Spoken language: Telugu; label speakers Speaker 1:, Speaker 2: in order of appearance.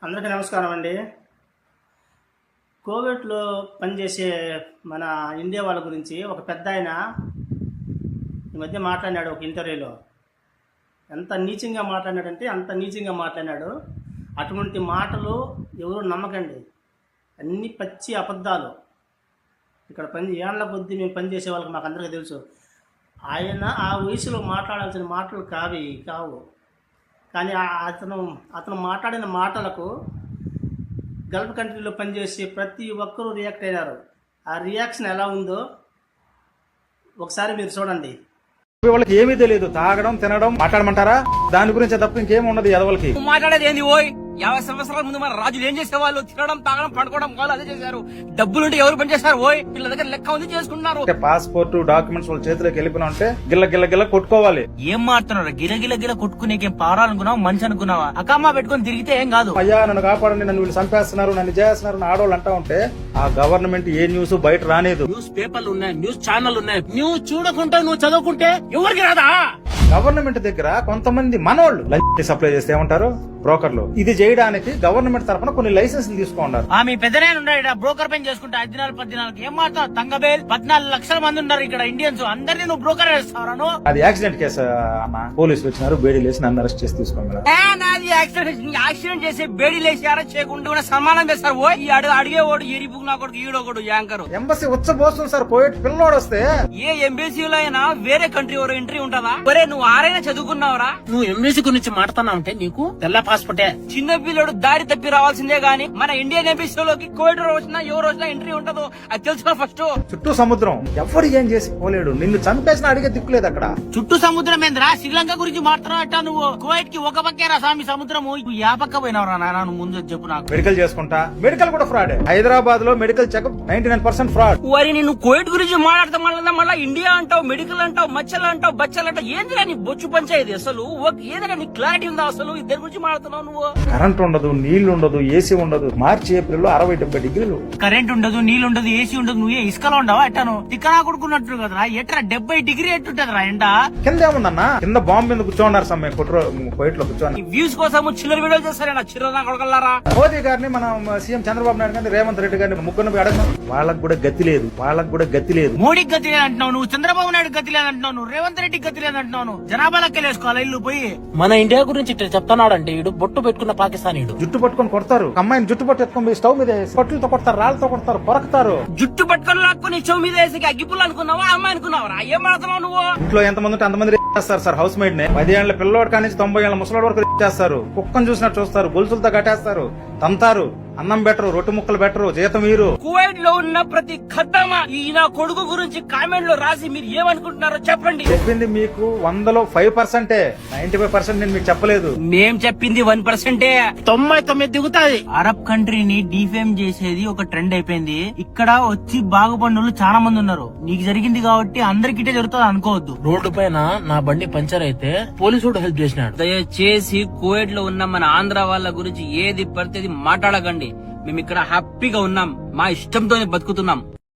Speaker 1: అందరికీ నమస్కారం అండి. కోవిడ్లో పనిచేసే మన ఇండియా వాళ్ళ గురించి ఒక పెద్ద ఆయన ఈ మధ్య మాట్లాడినాడు ఒక ఇంటర్వ్యూలో. ఎంత నీచంగా మాట్లాడినాడంటే అంత నీచంగా మాట్లాడినాడు. అటువంటి మాటలు ఎవరు నమ్మకండి, అన్ని పచ్చి అబద్ధాలు. ఇక్కడ ఏళ్ల కొద్దీ మేము పనిచేసే వాళ్ళకి మాకు అందరికీ తెలుసు. ఆయన ఆ వయసులో మాట్లాడాల్సిన మాటలు కావు. కానీ అతను మాట్లాడిన మాటలకు గల్ఫ్ కంట్రీలో పనిచేసే ప్రతి ఒక్కరూ రియాక్ట్ అయినారు. ఆ రియాక్షన్ ఎలా ఉందో ఒకసారి మీరు చూడండి.
Speaker 2: వాళ్ళకి ఏమీ తెలియదు, తాగడం తినడం మాట్లాడమంటారా? దాని గురించి తప్ప ఇంకేమి ఉండదు. ఎదవలకి
Speaker 3: మాట్లాడేది ఏంది? ఓయ్ 50 సంవత్సరాల ముందు మన రాజులు ఏం చేసేవాళ్ళు? తినడం తాగడం పండుకోవడం వాళ్ళు అదే చేశారు. డబ్బులుంటే ఎవరు పని చేస్తారు? ఓయ్ వీళ్ళ దగ్గర లెక్క ఉంది, చేసుకుంటున్నారు.
Speaker 2: పాస్పోర్ట్ డాక్యుమెంట్స్ వాళ్ళ చేతిలోకి వెళ్ళిపోయినా ఉంటే గిల్ల గిల్ల గిల్ల కొట్టుకోవాలి.
Speaker 3: ఏం మారుతున్నారు? గిల కొట్టుకునేకేం పారాలనుకున్నావు, మంచి అనుకున్నావా? అక్కమ్మ పెట్టుకుని తిరిగితే ఏం కాదు.
Speaker 2: అయ్యా నన్ను కాపాడండి, నన్ను వీళ్ళు చంపేస్తున్నారు, నన్ను చేస్తున్నారు ఆడవాళ్ళు అంటా ఉంటే ఆ గవర్నమెంట్ ఏ న్యూస్ బయట రానేదు.
Speaker 3: న్యూస్ పేపర్లు ఉన్నాయి, న్యూస్ ఛానల్ ఉన్నాయి. న్యూస్ చూడకుంటే నువ్వు చదువుకుంటే ఎవరికి రాదా?
Speaker 2: గవర్నమెంట్ దగ్గర కొంతమంది మనోళ్ళు లంచ్ సప్లై చేస్తే ఏమంటారు? బ్రోకర్లు. ఇది చేయడానికి గవర్నమెంట్ తరఫున కొన్ని లైసెన్సులు తీసుకున్నారు.
Speaker 3: మీ పెద్దనే ఉన్నాడు బ్రోకర్ పని చేసుకుంటే 14 ఏం మాట్లాడు? తంగబేల్ 14 లక్షల మంది ఉన్నారు ఇక్కడ ఇండియన్స్. అందరినీ నువ్వు బ్రోకర్ వేస్తావు. అది
Speaker 2: యాక్సిడెంట్ కేసు అన్న. పోలీసులు వచ్చినారు, బేడీలు వేసి నన్ను అరెస్ట్ చేసి తీసుకున్నారు.
Speaker 3: నాది యాక్సిడెంట్ చేసి బేడీలు వేసి అరెస్ట్ చేయకుండా సన్మానం చేస్తారు. ఓ ఈ అడిగేవాడు ఏరిపుకు నా కొడుకు ఈడోడు యాంకర్.
Speaker 2: ఎంబసీ ఉచ్చబోస్తుంది సార్. పోయేటి పిల్లోడు వస్తే
Speaker 3: ఏ ఎంబసీలో అయినా వేరే కంట్రీ ఎవరో ఎంట్రీ ఉంటుందా? ఒరే నువ్వు ఆరైనా చదువుకున్నావురా? నువ్వు ఎంబసీ గురించి మాట్లాడుతున్నావు అంటే నీకు తెల్ల పాస్పోర్టే. చిన్న పిల్లడు దారి తప్పి రావాల్సిందే గానీ మన ఇండియన్ ఎంబసీలోకి కోవిడ్ వచ్చినా ఎవరు వచ్చినా ఎంట్రీ ఉంటదో అది తెలుసుకో ఫస్ట్.
Speaker 2: చుట్టూ సముద్రం, ఎవరు ఏం చేసి పోలేడు. నిన్ను చంపేసిన అడిగే దిక్కులేదు అక్కడ.
Speaker 3: చుట్టూ సముద్రం ఏంద్రా? శ్రీలంక గురించి మాట్లాడట నువ్వు. కువైట్ కి ఒక పక్కేరా స్వామి సముద్రము. యా పక్క పోయినవరా నాన్న? నువ్వు ముందు చెప్పు నాకు.
Speaker 2: మెడికల్ చేసుకుంటా, మెడికల్ కూడా ఫ్రాడ్. హైదరాబాద్ లో మెడికల్ చెకప్ 99% ఫ్రాడ్.
Speaker 3: వరి నేను కోవిడ్ గురించి మాట్లాడతా మళ్ళీ ఇండియా అంటావు, మెడికల్ అంటావు, మచ్చలు అంటావు, బచ్చలు అంటావు. ఏందిరా నీ బొచ్చు పంచాయతీ అసలు? ఏదైనా నీ క్లారిటీ ఉందా అసలు? ఇద్దరి గురించి మాట్లాడుతున్నావు నువ్వు.
Speaker 2: కరెంట్ ఉండదు, నీళ్లు ఉండదు, ఏసీ ఉండదు. మార్చి ఏప్రిల్ లో 60-70 డిగ్రీలు.
Speaker 3: కరెంట్ ఉండదు, నీళ్లు ఉండదు, ఏసీ ఉండదు. నువ్వే ఇసుకలో ఉండవా? ఎట్టాను తిక్కనా కొడుకున్నట్టు కదరా. ఎట్రా 70 డిగ్రీ ఎట్టుంటదిరా ఎండ?
Speaker 2: కింద ఏముందన్నా? కింద బాంబు మీద కూర్చోన్నారు సమ్మె కోయిట్ లో కూర్చొని.
Speaker 3: వ్యూస్ కోసం చిల్లర వీడియోలు చేస్తారా చిల్లర కొడకల్లారా?
Speaker 2: మోదీ గారిని మనం సీఎం చంద్రబాబు నాయుడు గారిని రేవంత్ రెడ్డి గారిని ముగ్గురు అడగను. వాళ్ళకు కూడా గతి లేదు,
Speaker 3: మోడీకి గతి లేదంటున్నావు నువ్వు, చంద్రబాబు నాయుడు గతి లేదంటున్నావు నువ్వు, రేవంత్ రెడ్డి గతి లేదంటున్నావు. జనాభా లెక్కలేసుకోవాలి ఇల్లు పోయి. మన ఇండియా గురించి చెప్తున్నాడంటే వీడు బొట్టు పెట్టుకున్న పాకిస్తానీయుడు.
Speaker 2: జుట్టు పట్టుకొని కొడతారు. అమ్మాయిని జుట్టు పట్టుకొని స్టవ్ మీద పట్టులతో కొడతారు, రాళ్లతో కొడతారు, కొరకుతారు.
Speaker 3: జుట్టు పట్టుకొని లాక్కుని చెవు మీద వేసి అగ్గిపుల్లు అనుకున్నావా? అమ్మాయి అనుకున్నావా? ఏం మాడుతున్నావు నువ్వు?
Speaker 2: ఇంట్లో ఎంతమంది ఉంటే అంతమంది చేస్తారు సార్. హౌస్ మేడ్ ని 10 ఏళ్ల పిల్లవాడి కానీ 90 ఏళ్ల ముసలాడు వరకు చేస్తారు. కుక్కను చూసినట్టు చూస్తారు, గొలుసులతో కట్టేస్తారు, తంతారు, అన్నం బెటరు, రొట్టె ముక్కలు బెటరు, జీతం మీరు.
Speaker 3: కువైట్ లో ఉన్న ప్రతి ఖద్దమా ఈయన కొడుకు గురించి కామెంట్ లో రాసి మీరు ఏమనుకుంటున్నారో చెప్పండి.
Speaker 2: చెప్పింది మీకు 100లో 5%. 95% నేను మీకు చెప్పలేదు.
Speaker 3: మేం చెప్పింది 1%. 99 దిగుతాది. అరబ్ కంట్రీని డిఫేమ్ చేసేది ఒక ట్రెండ్ అయిపోయింది. ఇక్కడ వచ్చి బాగుపడిన చాలా మంది ఉన్నారు. నీకు జరిగింది కాబట్టి అందరికిటే జరుగుతుంది అనుకోవద్దు. రోడ్డు పైన నా బండి పంచర్ అయితే పోలీసుడు హెల్ప్ చేసినాడు. దయచేసి కువైట్ లో ఉన్న మన ఆంధ్ర వాళ్ళ గురించి ఏది పడితే మాట్లాడకండి. మేము ఇక్కడ హ్యాపీగా ఉన్నాం, మా ఇష్టంతోనే బతుకుతున్నాం.